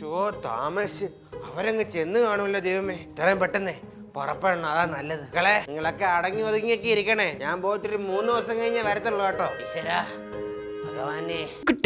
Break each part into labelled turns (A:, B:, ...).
A: താമസിച്ച് അവരങ്ങ് ചെന്ന് കാണൂല്ലോ ദൈവമേ. ഇത്രയും പെട്ടെന്നേ പുറപ്പെടണം, അതാ നല്ലത്. മക്കളെ നിങ്ങളൊക്കെ അടങ്ങി ഒതുങ്ങിയൊക്കെ ഇരിക്കണേ. ഞാൻ പോയിട്ടൊരു 3 ദിവസം കഴിഞ്ഞേ വരത്തുള്ളൂ കേട്ടോ. ഈശ്വരാ ഭഗവാനെ.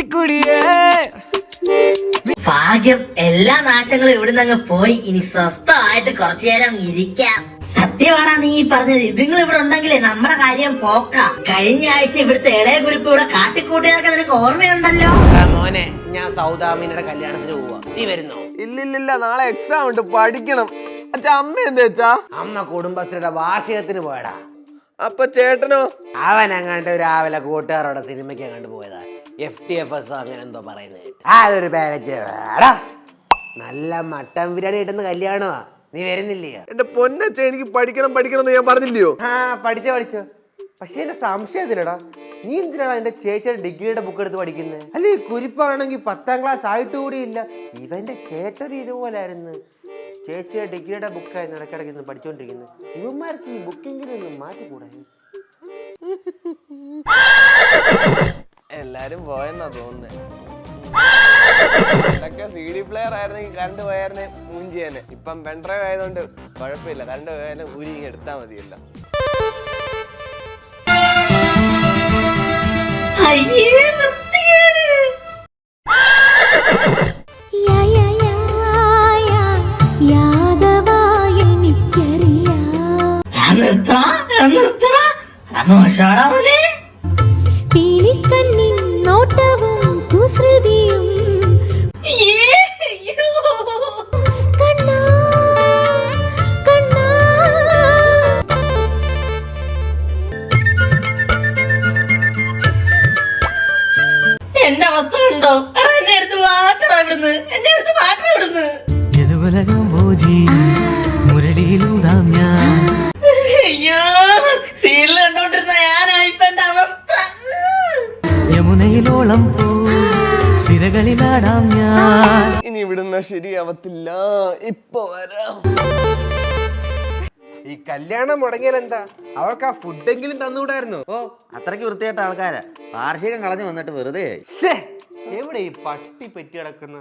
B: ഭാഗ്യം, എല്ലാ നാശങ്ങളും ഇവിടുന്ന് അങ്ങ് പോയി. ഇനി സ്വസ്ഥമായിട്ട് കുറച്ചു നേരം ഇരിക്കാം. സത്യമാണാ നീ പറഞ്ഞത്. ഇതുങ്ങൾ ഇവിടെ ഉണ്ടെങ്കിലേ നമ്മുടെ കാര്യം പോക്കാം. കഴിഞ്ഞ ആഴ്ച ഇവിടുത്തെ ഇളയ കുരിപ്പ് ഇവിടെ കാട്ടിക്കൂട്ടിയതൊക്കെ നിനക്ക് ഓർമ്മയുണ്ടല്ലോ.
A: മോനെ, ഞാൻ സൗദാമിനിയുടെ കല്യാണത്തിന് പോവാ. നീ വരുന്നോ?
C: ഇല്ലില്ല, നാളെ എക്സാം ഉണ്ട്, പഠിക്കണം. അച്ഛാ, അമ്മ എന്താ വെച്ചാ?
A: അമ്മ കുടുംബശ്രീയുടെ വാർഷികത്തിന് പോയടാ.
C: അപ്പൊ ചേട്ടനോ?
A: അവൻ അങ്ങാണ്ട് രാവിലെ കൂട്ടുകാരോടെ സിനിമയ്ക്ക് അങ്ങോട്ട് പോയതാ. FTFS അങ്ങനെ എന്തോ പറയുന്നത്. അതൊരു പേരച്ചേടാ. നല്ല മട്ടൻ ബിരിയാണി കിട്ടുന്ന കല്യാണമാ. നീ വരുന്നില്ലേ?
C: എന്റെ പൊന്നച്ഛ, എനിക്ക് പഠിക്കണം എന്ന് ഞാൻ പറഞ്ഞില്ലയോ?
A: പഠിച്ചോ. പക്ഷെ എന്റെ സംശയത്തിലടാ, നീ എന്തിനാടാ എന്റെ ചേച്ചിയുടെ ഡിഗ്രിയുടെ ബുക്ക് എടുത്ത് പഠിക്കുന്നത്? അല്ലെ, കുരിപ്പാണെങ്കിൽ 10ാം ക്ലാസ് ആയിട്ട് കൂടി ഇല്ല. ഇവന്റെ ചേട്ടൊരു ഇതുപോലായിരുന്നു. ചേച്ചിയുടെ ഡിഗ്രിയുടെ ബുക്കായിരുന്നു ഇടയ്ക്കിടയ്ക്ക് ഇന്ന് പഠിച്ചോണ്ടിരിക്കുന്നത്. ഇവന്മാർക്ക് ഈ ബുക്കിങ്ങിനൊന്നും മാറ്റിക്കൂടാ.
C: എല്ലാരും പോയെന്നാ തോന്നുന്നത്. CD പ്ലെയർ ആയിരുന്നെങ്കിൽ കറണ്ട് പോയായിരുന്നെ മൂഞ്ചിയാനെ. ഇപ്പം പെൻഡ്രൈവ് ആയതുകൊണ്ട് കുഴപ്പമില്ല, കറണ്ട് പോയാലും ഊരി എടുത്താ മതിയല്ല.
B: എന്റെ അവസ്ഥ ഉണ്ടോ? എന്നെ എടുത്ത് മാറ്റണം ഇവിടുന്ന്. എന്നെ എടുത്ത് മാറ്റണം ഇവിടുന്ന്. അയ്യോ, സീരിയൽ കണ്ടോണ്ടിരുന്ന ഞാനായിപ്പ എന്റെ അവസ്ഥ.
D: യമുനയിലോളം പോ സിരകളിലാടാം ഞാൻ.
C: ഇനി ഇവിടുന്ന് ശരിയാവത്തില്ല, ഇപ്പൊ വരാം.
A: ഈ കല്യാണം മുടങ്ങിയാൽ എന്താ? അവർക്ക് ആ ഫുഡെങ്കിലും തന്നുകൂടായിരുന്നു.
E: ഓ, അത്രയ്ക്ക് വൃത്തിയായിട്ട ആൾക്കാരാ. വാർഷികം കളഞ്ഞു വന്നിട്ട് വെറുതെ.
A: എവിടെ ഈ പട്ടി പറ്റി കിടക്കുന്ന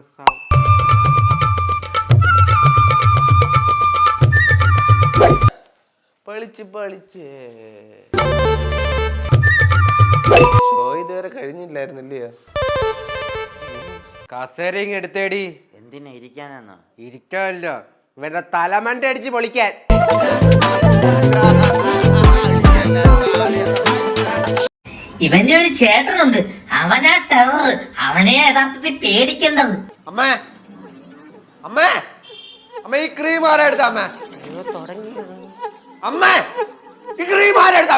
A: പളിച്ച്
C: ഷോ ഇതുവരെ കഴിഞ്ഞില്ലായിരുന്നില്ലേ?
A: കസേരയും എടുത്തേടി.
E: എന്തിനാ ഇരിക്കാനാന്നോ?
A: ഇരിക്കാനല്ല, ഇവരുടെ തലമണ്ട അടിച്ച് പൊളിക്കാൻ.
B: ഇവന്റെ ഒരു ചേട്ടനുണ്ട്, അവനാ ടെറർ. അവനെ യഥാർത്ഥത്തിൽ പേടിക്കേണ്ടത്.
C: അമ്മേ, ഈ ക്രീം ആരാ എടുത്ത? അമ്മേ, ഈ ക്രീം ആരാ എടുത്ത?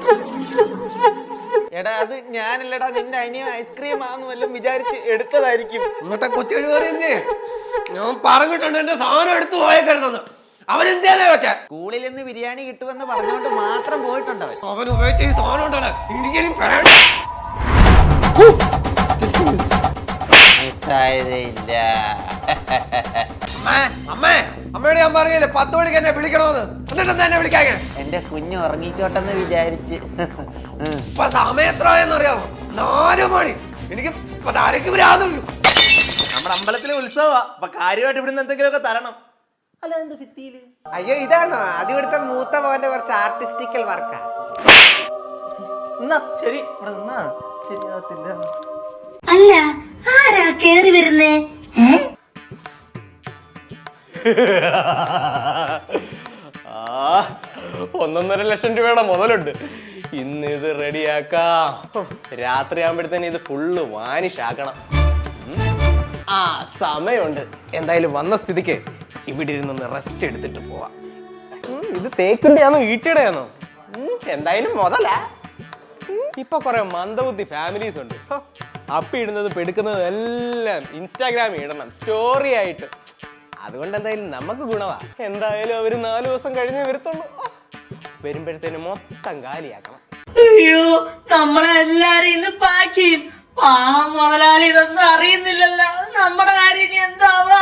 A: എടാ, അത് ഞാനല്ലടാ, നിന്റെ അനിയൻ ഐസ്ക്രീം ആന്ന് വല്ലതും വിചാരിച്ച് എടുത്തതായിരിക്കും.
C: എന്നിട്ട് കൊച്ചു പറയുന്നേ, ഞാൻ പറഞ്ഞിട്ടുണ്ട് എന്റെ സാധനം എടുത്തു പോയേക്കരുതെന്ന്. അവൻ എന്തേതാ വെച്ചാ?
E: സ്കൂളിൽ നിന്ന് ബിരിയാണി കിട്ടുമെന്ന് പറഞ്ഞുകൊണ്ട് മാത്രം പോയിട്ടുണ്ട്
C: അവൻ ഉപയോഗിച്ച ഈ സാധനം ഉണ്ടല്ലോ, എനിക്കും അമ്മയോട് ഞാൻ പറഞ്ഞില്ലേ 10 മണിക്ക് എന്നെ വിളിക്കണോന്ന്. എന്നിട്ട് എന്താ എന്നെ വിളിക്കാങ്ങ?
E: എന്റെ കുഞ്ഞ് ഉറങ്ങിക്കോട്ടെന്ന് വിചാരിച്ച്.
C: ഇപ്പൊ സമയം എത്രയെന്ന് അറിയാമോ? 4 മണി. എനിക്ക് തലയ്ക്ക് ഭ്രാന്തുള്ളൂ.
A: നമ്മുടെ അമ്പലത്തിലെ ഉത്സവമാ, അപ്പൊ കാര്യമായിട്ട് ഇവിടുന്ന് എന്തെങ്കിലുമൊക്കെ തരണം. അല്ല, എന്ത് ഭിത്തിയില്? അയ്യോ, ഇതാണോ അത്? ഇവിടുത്തെ മൂത്ത മോന്റെ കുറച്ച് ആർട്ടിസ്റ്റിക്കൽ വർക്കാ. ശരി, ഇവിടെ നിന്നാ ശരിയാവത്തില്ല.
B: അല്ല, ആരാ കേറി വരുന്നേ?
F: 1.5 ലക്ഷം രൂപയുടെ മുതലുണ്ട്. ഇന്ന് ഇത് റെഡിയാക്കാം. രാത്രി ആകുമ്പോഴത്തേന് ഇത് ഫുള്ള് വാനിഷാക്കണം. സമയമുണ്ട്. എന്തായാലും വന്ന സ്ഥിതിക്ക് ഇവിടെ ഇരുന്നൊന്ന് റെസ്റ്റ് എടുത്തിട്ട് പോവാം. ഇത് തേക്കിന്റെയാണോ ഈട്ടിയുടെ ആണോ? എന്തായാലും മുതലാ. ഇപ്പൊ കുറെ മന്ദബുദ്ധി ഫാമിലീസ് ഉണ്ട്. അപ്പി ഇടുന്നത് പെടുക്കുന്നതും എല്ലാം ഇൻസ്റ്റാഗ്രാമിൽ ഇടണം, സ്റ്റോറി ആയിട്ട്. അതുകൊണ്ട് എന്തായാലും നമുക്ക് ഗുണവാ. എന്തായാലും അവര് 4 ദിവസം കഴിഞ്ഞേ വരത്തുള്ളൂ. വരുമ്പോഴത്തേന് മൊത്തം കാലിയാക്കണം.
B: അയ്യോ, നമ്മളെല്ലാരും ഇന്ന് പാക്ക് ചെയ്യും. മുതലാളി ഇതൊന്നും അറിയുന്നില്ലല്ലോ. നമ്മുടെ കാര്യം എന്താവോ?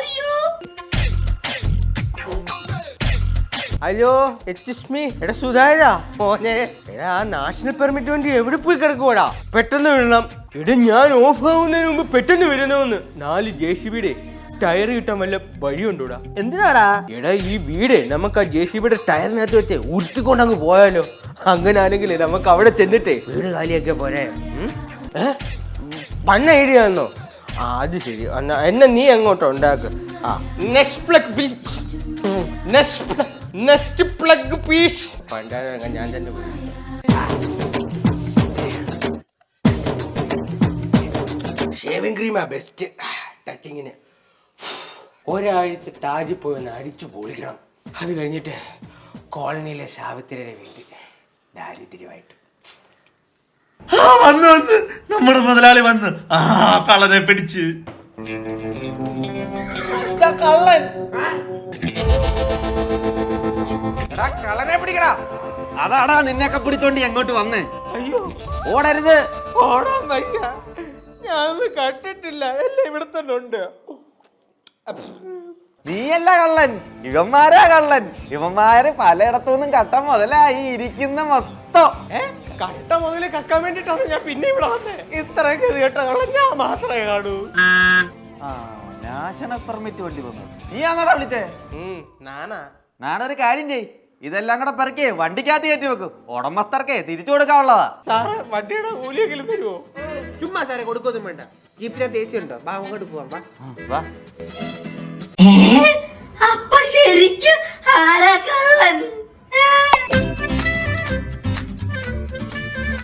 A: അയ്യോ, എടാ സുധാരാ മോനെ, എടാ ആ നാഷണൽ പെർമിറ്റ് വേണ്ടി എവിടെ പോയി കിടക്കുവാടാ? പെട്ടെന്ന് വിടണം. എടാ, ഞാൻ ഓഫ് ആവുന്നതിന് മുമ്പ് പെട്ടെന്ന് വരണമെന്ന്. 4 JCBയുടെ ടയർ കിട്ടാൻ വല്ല വഴിയുണ്ടോടാ?
E: എന്തിനാടാ?
A: എടാ ഈ വീട് നമുക്ക് ആ JCB ടയറിനകത്ത് വെച്ച് ഉരുത്തിക്കൊണ്ട് അങ്ങ് പോയാലോ? അങ്ങനെ ആണെങ്കിൽ നമുക്ക് അവിടെ ചെന്നിട്ടേ വീട് കാലിയൊക്കെ പോരെ. പണ്ണ ഐഡിയ ആണോ? ആ അത് ശരി. എന്നെ നീ എങ്ങോട്ടോ ഉണ്ടാക്ക്. ആ നെക്സ്റ്റ് പ്ലഗ് പീസ് പണ്ടാ ഞാൻ തന്നെ പോയി. ഷേവിംഗ് ക്രീമാ ബെസ്റ്റ് ടച്ചിങ്ങിന്. ഒരാഴ്ച താജിൽ പോയി ഒന്ന് അടിച്ചു പൊളിക്കണം. അത് കഴിഞ്ഞിട്ട് കോളനിയിലെ സാവിത്രിയുടെ വീട്ടിൽ ദാരിദ്ര്യമായിട്ട്.
D: വന്ന് നമ്മുടെ മുതലാളി വന്ന് ആ കള്ളനെ പിടിച്ച്.
A: കള്ളൻ
E: കളനെ പിടിക്കടാ. അതാടാ നിന്നെയൊക്കെ പിടിച്ചോണ്ട് എങ്ങോട്ട് വന്നേ.
A: അയ്യോ
E: ഓടരുത്.
A: ഓടാൻ വയ്യ. ഞാൻ കണ്ടിട്ടില്ല. എല്ലാം ഇവിടെ തന്നെ ഉണ്ട്.
E: നീയല്ല കള്ളൻ, ഇവന്മാരാ കള്ളൻ. ഇവന്മാര് പലയിടത്തുനിന്നും കട്ട മുതലായി ഇരിക്കുന്ന മൊത്തം.
A: കട്ട മുതല് കക്കാൻ വേണ്ടിട്ടാണ് ഞാൻ പിന്നെ ഇവിടെ വന്നേ. ഇത്രയൊക്കെ കേട്ട കള്ളൻ ഞാൻ മാത്രമേ കാണൂ.
E: നാഷണൽ പെർമിറ്റ് വണ്ടി വന്നു. നീ ആണോടാ വിളിച്ചേ? ഞാനൊരു കാര്യം ചെയ്, ഇതെല്ലാം കൂടെ പെറുക്കേ വണ്ടിക്കകത്ത് കയറ്റി വെക്കും. ഉടമസ്ഥർക്കേ തിരിച്ചു കൊടുക്കാനുള്ളതാ.
A: സാറേ വണ്ടിയുടെ കൂലിയെങ്കിലും തരുമോ? ചുമ്മാ സാറേ കൊടുക്കൊന്നും വേണ്ട. ജീപ്പിനകത്ത് AC ഉണ്ടോ? അങ്ങോട്ട് പോവാം.
E: വാ.
B: അപ്പൊ ശരിക്കും